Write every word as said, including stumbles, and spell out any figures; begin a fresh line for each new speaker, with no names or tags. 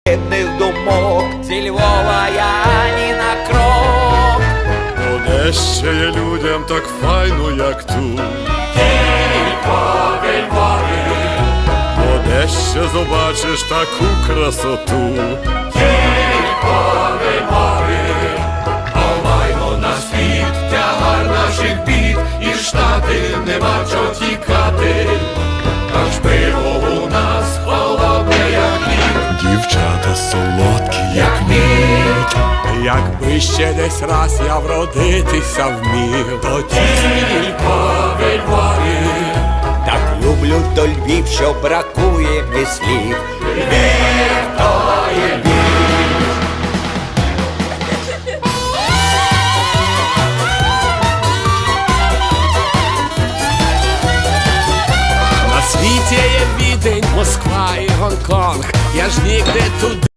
бідних думок. Зі Львова я ні на крок.
Бо де ще є людям так файно, як тут.
Тільки в Львові.
Бо де ще побачиш таку красоту.
Тільки в Львові. Ховаймо на світ тягар наших бід, і Штати нема чого тікати. Аж пиво у нас холодне, як лід.
Дівчата солодкі, як
мід.
Якби ще десь раз я вродитися вмів, то
Тільки в Львові. Так люблю до Львів, що бракує мені слів. Львів то є Львів.
на світі є Відень, Москва і Гонконг. Я ж нігде туди